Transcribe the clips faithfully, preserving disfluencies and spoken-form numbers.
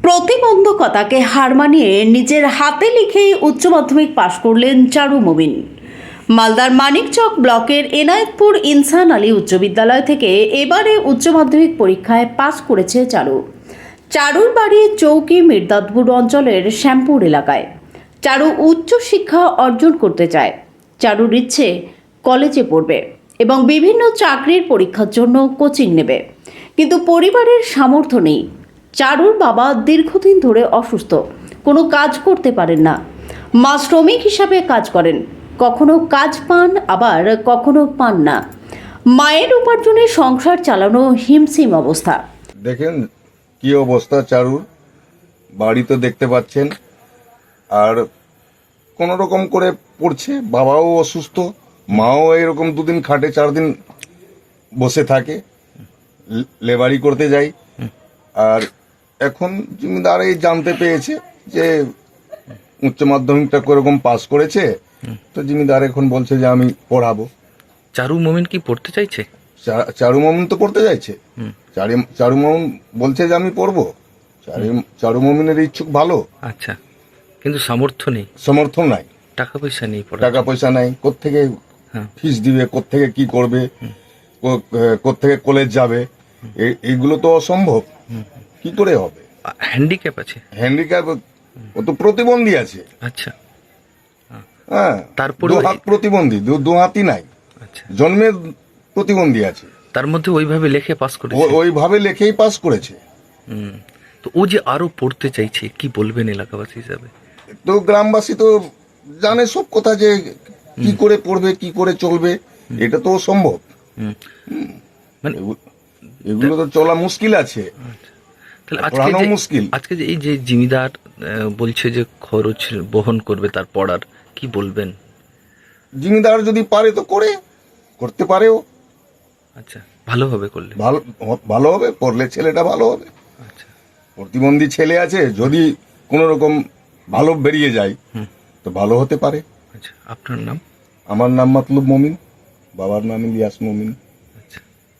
প্রতিবন্ধকতাকে হার মানিয়ে নিজের হাতে লিখেই উচ্চ মাধ্যমিক পাশ করলেন চারু মমিন। মালদার মানিকচক ব্লকের এনায়েতপুর ইনসান আলী উচ্চ বিদ্যালয় থেকে এবারে উচ্চ মাধ্যমিক পরীক্ষায় পাশ করেছে চারু। চারুর বাড়ি চৌকি মির্দাতপুর অঞ্চলের শ্যামপুর এলাকায়। চারু উচ্চ শিক্ষা অর্জন করতে চায়। চারুর ইচ্ছে কলেজে পড়বে এবং বিভিন্ন চাকরির পরীক্ষার জন্য কোচিং নেবে, কিন্তু পরিবারের সামর্থ্য নেই। চারুর বাবা দীর্ঘদিন ধরে অসুস্থ, কোনো কাজ করতে পারেন না। মা শ্রমিক হিসাবে কাজ করেন, কখনো কাজ পান আবার কখনো পান না। মায়ের উপার্জনে সংসার চালানো হিমশিম অবস্থা। দেখেন কি অবস্থা চারুর, বাড়ি তো দেখতে পাচ্ছেন, আর কোন রকম করে পড়ছে। বাবাও অসুস্থ, মাও এরকম দুদিন খাটে, চার দিন বসে থাকে, লেবারি করতে যাই। আর এখন জমিদার এই জানতে পেয়েছে যে উচ্চ মাধ্যমিকটা কোরকম পাস করেছে, তো জমিদার এখন বলছে যে আমি পড়াবো। চারু মমিন কি পড়তে চাইছে? চারু মমিন তো পড়তে চাইছে। চারু মমিন বলছে যে আমি পড়বো। চারু মমিনের ইচ্ছুক ভালো, আচ্ছা, কিন্তু সামর্থ্য নেই, সমর্থ নাই, টাকা পয়সা নেই, টাকা পয়সা নাই। কোত্থেকে ফিস দিবে, কোত্থেকে কি করবে, কোত্থেকে কলেজ যাবে, এইগুলো তো অসম্ভব। কি করে হবে? হ্যান্ডিক্যাপ আছে? হ্যান্ডিক্যাপ, ও তো প্রতিবন্ধী আছে। আচ্ছা, হ্যাঁ, তারপরে দু হাত প্রতিবন্ধী, দু হাতই নাই। আচ্ছা, জন্মের প্রতিবন্ধী আছে। তার মধ্যে ওইভাবে লেখে পাস করেছে? ওইভাবে লেখেই পাস করেছে। হুম, তো ও যে আরো পড়তে চাইছে, কি বলবেন এলাকাবাসী হিসাবে? তো গ্রামবাসী তো জানে সব কথা, যে কি করে পড়বে, কি করে চলবে, এটা তো সম্ভব। মানে এগুলো তো চলা মুশকিল আছে, তাহলে আজকে যে মুশকিল। আজকে যে এই যে জমিদার বলছে যে খরচ বহন করবে তার পড়ার, কি বলবেন? জমিদার যদি পারে তো করে করতে পারেও। আচ্ছা, ভালো হবে করলে? ভালো ভালো হবে, পড়লে ছেলেটা ভালো হবে। আচ্ছা, প্রতিবন্ধী ছেলে আছে, যদি কোনো রকম ভালো বেরিয়ে যায় তো ভালো হতে পারে। আচ্ছা, আপনার নাম? আমার নাম মতলুব মমিন, বাবার নাম ইলিয়াস মমিন। আচ্ছা,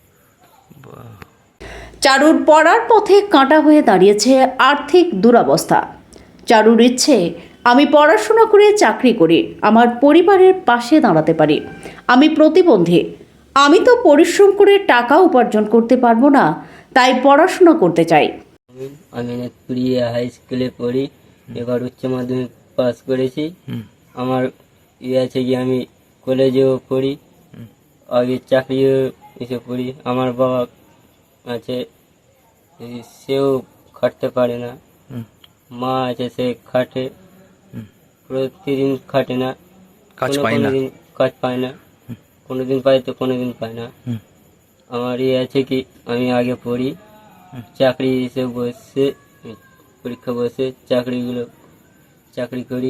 চারুর পড়ার পথে কাঁটা হয়ে দাঁড়িয়েছে আর্থিক দুরবস্থা। চারুর ইচ্ছে আমি পড়াশোনা করে চাকরি করি, আমার পরিবারের পাশে দাঁড়াতে পারি। আমি প্রতিবন্ধী, আমি তো পরিশ্রম করে টাকা উপার্জন করতে পারবো না, তাই পড়াশোনা করতে চাই। আমি প্রিয়া হাই স্কুলে পড়ি, এবার উচ্চ মাধ্যমিক পাস করেছি। আমার ইয়ে আছে কি আমি কলেজেও পড়ি, আগে চাকরিও এসে পড়ি। আমার বাবা আছে, সেও খাটতে পারে না। মা আছে, সে খাটে, প্রতিদিন খাটে না, কোনোদিন কাজ পায় না, কোনোদিন পায় তো কোনোদিন পায় না। আমার ইয়ে আছে কি আমি আগে পড়ি, চাকরি এসে বসে পরীক্ষা বসে চাকরিগুলো চাকরি করি।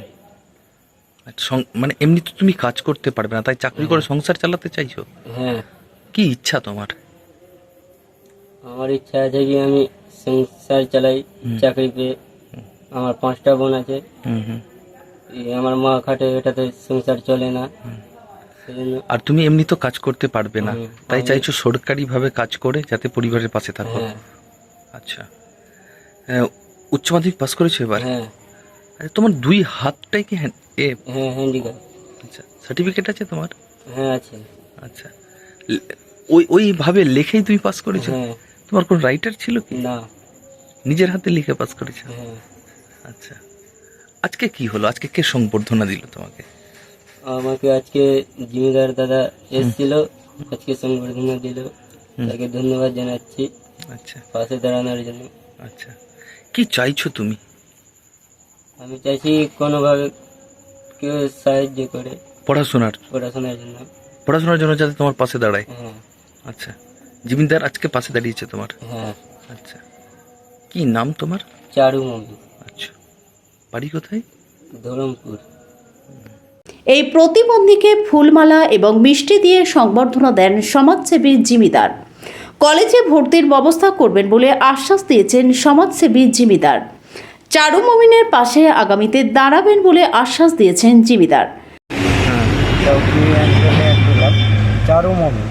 মানে এমনি তো তুমি কাজ করতে পারবে না, তাই চাকরি করে সংসার চালাতে চাইছো? হ্যাঁ। কি ইচ্ছা তোমার? আমার ইচ্ছা আছে কি আমি সংসার চালাই চাকরি পেয়ে। আমার পাঁচটা বোন আছে, আমার মা খাটে, এটাতে সংসার চলে না। আর তুমি এমনি তো কাজ করতে পারবে না, তাই চাইছো সরকারি ভাবে কাজ করে যাতে পরিবারের পাশে থাকো। আচ্ছা, উচ্চ মাধ্যমিক পাস করেছো এবার? হ্যাঁ। তোমার দুই হাতটাই কি হ্যান্ডিক্যাপ? আচ্ছা, সার্টিফিকেট আছে তোমার? হ্যাঁ আছে। আচ্ছা, ওই ওইভাবে লেখেই তুমি পাস করেছো? হ্যাঁ। তোমার কোন রাইটার ছিল কি? না, নিজের হাতে লিখে পাস করেছো? হ্যাঁ। আচ্ছা, আজকে কি হলো? আজকে কে সংবর্ধনা দিল তোমাকে? আমাকে আজকে জমিদার দাদা এসেছিল, আজকে সংবর্ধনা দিল, তাকে ধন্যবাদ জানাচ্ছি। আচ্ছা, পাশে দাঁড়ানোর জন্য। আচ্ছা, কি চাইছো তুমি? আমি চাইছি কোনোভাবে কেউ সাহায্য করে পড়াশোনার পড়াশোনার জন্য পড়াশোনার জন্য যাতে তোমার পাশে দাঁড়ায়। হ্যাঁ। আচ্ছা, জমিদার আজকে পাশে দাঁড়িয়েছে তোমার? হ্যাঁ। আচ্ছা, কি নাম তোমার? চারু মমিন। আচ্ছা, বাড়ি কোথায়? ধরমপুর। এই প্রতিবন্ধীকে ফুলমালা এবং মিষ্টি দিয়ে সংবর্ধনা দেন সমাজসেবী জিমিদার। কলেজে ভর্তির ব্যবস্থা করবেন বলে আশ্বাস দিয়েছেন সমাজসেবী জিমিদার। চারু মমিনের পাশে আগামীতে দাঁড়াবেন বলে আশ্বাস দিয়েছেন জিমিদার। চারু মমিন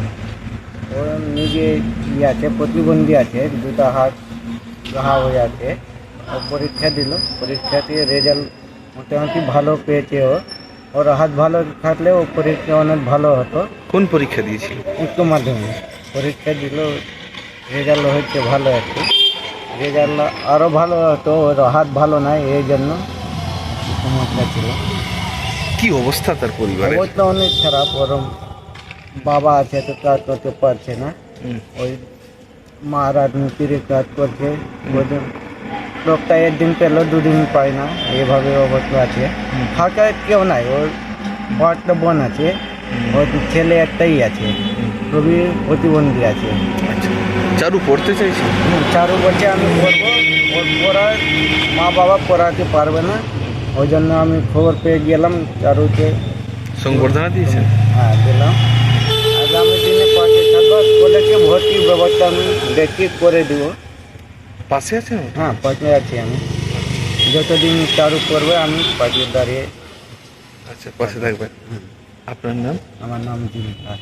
ওর নিজে ইয়ে আছে, প্রতিবন্ধী আছে, দুটা হাত রাহা হয়ে আছে, ও পরীক্ষা দিল, পরীক্ষা দিয়ে রেজাল্ট মোটামুটি ভালো পেয়েছে। ও ওর হাত ভালো থাকলে ও পরীক্ষা অনেক ভালো হতো। কোন পরীক্ষা দিয়েছিল? উচ্চ মাধ্যমিক পরীক্ষা দিল, রেজাল্ট হয়েছে ভালো একটু। রেজাল্ট আরও ভালো হতো, ওর হাত ভালো নাই, এই জন্য একটু সমস্যা ছিল। কি অবস্থা তার পরিবারের? অবস্থা অনেক খারাপ। ওর বাবা আছে তো কাজ করতে পারছে না, হুম। ওই মা রাজনীতির কাজ করছে। ওই জন্য লোকটা একদিন পেলো, দুদিন পায় না, এভাবে অবস্থা আছে। ফাঁকা কেউ নাই, ওর একটা বোন আছে, ওর ছেলে একটাই আছে, খুবই প্রতিবন্ধী আছে। আচ্ছা, চারু পড়তে চাইছে? হুম, চারু বছর আমি পড়বো, ওর পড়ার মা বাবা পড়াতে পারবে না, ওই জন্য আমি খবর পেয়ে গেলাম চারুকে। সংবর্ধনা দিয়েছেন? হ্যাঁ দিলাম। আগামী দিনে পাশে থাকবো, কলেজে ভর্তির ব্যবস্থা আমি দেখি করে দিব। পাশে আছেন? হ্যাঁ পাশে আছি আমি, যতদিন চারু করবে আমি পাশে দাঁড়িয়ে। আচ্ছা, পাশে থাকবেন। আপনার নাম? আমার নাম জীবিকা।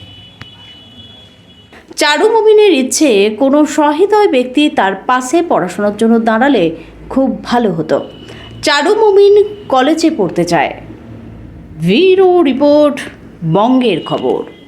চারু মুমিনের ইচ্ছে কোনো সহৃদয় ব্যক্তি তার পাশে পড়াশোনার জন্য দাঁড়ালে খুব ভালো হতো। চারু মুমিন কলেজে পড়তে চায়। ব্যুরো রিপোর্ট, বঙ্গের খবর।